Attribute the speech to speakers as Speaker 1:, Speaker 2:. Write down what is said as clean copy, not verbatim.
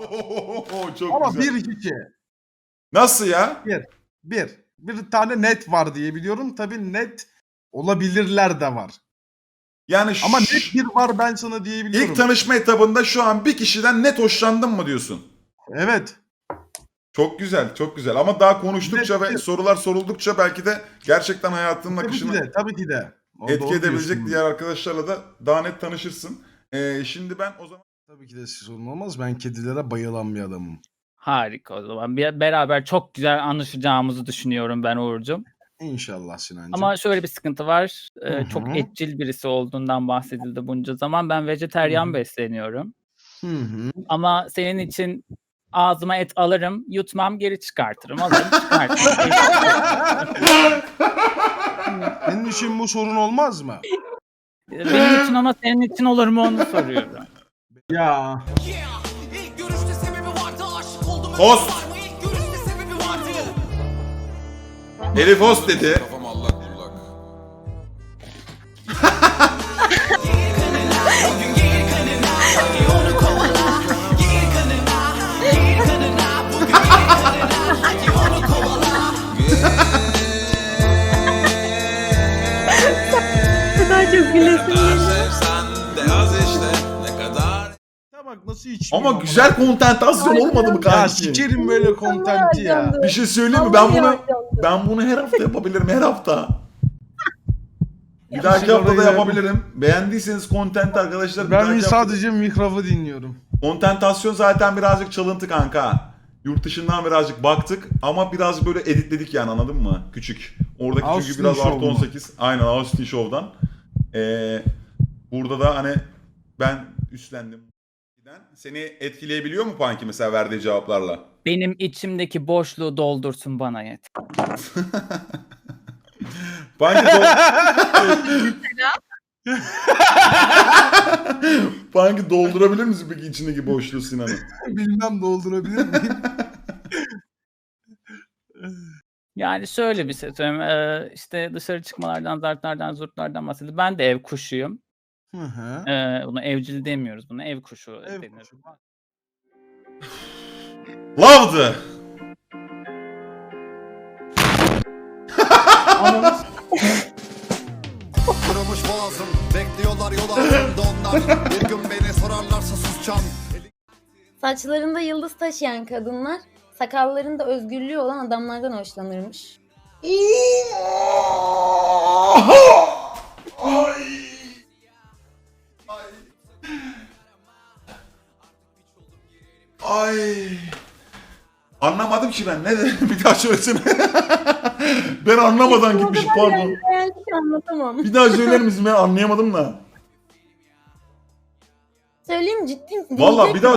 Speaker 1: Çok
Speaker 2: Ama
Speaker 1: güzel.
Speaker 2: bir kişi.
Speaker 1: Nasıl ya?
Speaker 2: Bir tane net var diye biliyorum. Tabii net olabilirler de var.
Speaker 1: Yani
Speaker 2: Ama net bir var ben sana diyebiliyorum.
Speaker 1: ilk tanışma etabında şu an bir kişiden net hoşlandın mı diyorsun?
Speaker 2: Evet.
Speaker 1: Çok güzel, çok güzel. Ama daha konuştukça ve
Speaker 2: Net.
Speaker 1: sorular soruldukça belki de gerçekten hayatının akışını
Speaker 2: Tabii ki de. O
Speaker 1: etki
Speaker 2: doğru
Speaker 1: edebilecek
Speaker 2: diyorsun.
Speaker 1: diğer arkadaşlarla da daha net tanışırsın. Şimdi ben o zaman...
Speaker 2: Tabii ki de sorun olmaz. Ben kedilere bayılan bir adamım.
Speaker 3: Harika o zaman. Beraber çok güzel anlaşacağımızı düşünüyorum ben Uğur'cum.
Speaker 2: İnşallah Sinancığım.
Speaker 3: Ama şöyle bir sıkıntı var.
Speaker 2: Hı
Speaker 3: Çok
Speaker 2: hı.
Speaker 3: etçil birisi olduğundan bahsedildi bunca zaman. Ben
Speaker 2: Hı
Speaker 3: vejeteryan
Speaker 2: hı.
Speaker 3: besleniyorum.
Speaker 2: Hı hı.
Speaker 3: Ama senin için ağzıma et alırım, yutmam, geri çıkartırım. Alırım, çıkartırım.
Speaker 2: Senin için bu sorun olmaz mı?
Speaker 3: Benim için ama senin için olur mu onu soruyorum.
Speaker 2: Ya.
Speaker 1: Host! Elif host dedi.
Speaker 4: Kafam allak bullak.
Speaker 5: Daha çok gülesim geliyor.
Speaker 4: Sevsen de az işte ne kadar.
Speaker 2: Ya bak nasıl içmiyor
Speaker 1: Ama güzel kontentasyon olmadı mı
Speaker 2: Ya
Speaker 1: kanki?
Speaker 2: sikerim böyle kontenti ya.
Speaker 1: Bir şey söyleyeyim mi? Ben bunu her hafta yapabilirim, her hafta. Bir dahaki hafta da yapabilirim. Beğendiyseniz content arkadaşlar. bir
Speaker 2: Ben
Speaker 1: dahaki hafta-
Speaker 2: sadece mikrofonu dinliyorum.
Speaker 1: Kontentasyon zaten birazcık çalıntı kanka. Yurt dışından birazcık baktık ama biraz böyle editledik yani, anladın mı? Küçük. Oradaki
Speaker 2: Austin
Speaker 1: çünkü biraz
Speaker 2: Show
Speaker 1: artı
Speaker 2: mu?
Speaker 1: 18. Aynen, Austin Show'dan. Burada da hani ben üstlendim. Seni etkileyebiliyor mu Panki mesela verdiği cevaplarla?
Speaker 3: Benim içimdeki boşluğu doldursun bana yeter.
Speaker 1: Panki Panki doldurabilir misin peki içindeki boşluğu Sinan'ı?
Speaker 2: Bilmem doldurabilir miyim?
Speaker 3: Yani şöyle bir şey söyleyeyim. İşte dışarı çıkmalardan, zartlardan, zurtlardan bahsediyor. Ben de ev kuşuyum.
Speaker 2: Hı hı.
Speaker 3: Buna evcil demiyoruz. Buna ev kuşu
Speaker 2: Ev
Speaker 3: denir.
Speaker 2: kuşu.
Speaker 1: Love'dı.
Speaker 6: Kırılmış boğazım, bekliyorlar yol altında onlar. Bir gün beni sorarlarsa susacağım.
Speaker 5: Saçlarında yıldız taşıyan kadınlar, sakallarında özgürlüğü olan adamlardan hoşlanırmış.
Speaker 1: Ay. Anlamadım ki ben. Ne dedim? Bir daha söylesene. Ben anlamadan gitmişim, pardon.
Speaker 5: Ben hiç anlatamam.
Speaker 1: Bir daha söyler misin? Ben anlayamadım da.
Speaker 5: Söyleyeyim ciddi misin?
Speaker 1: Vallahi bir daha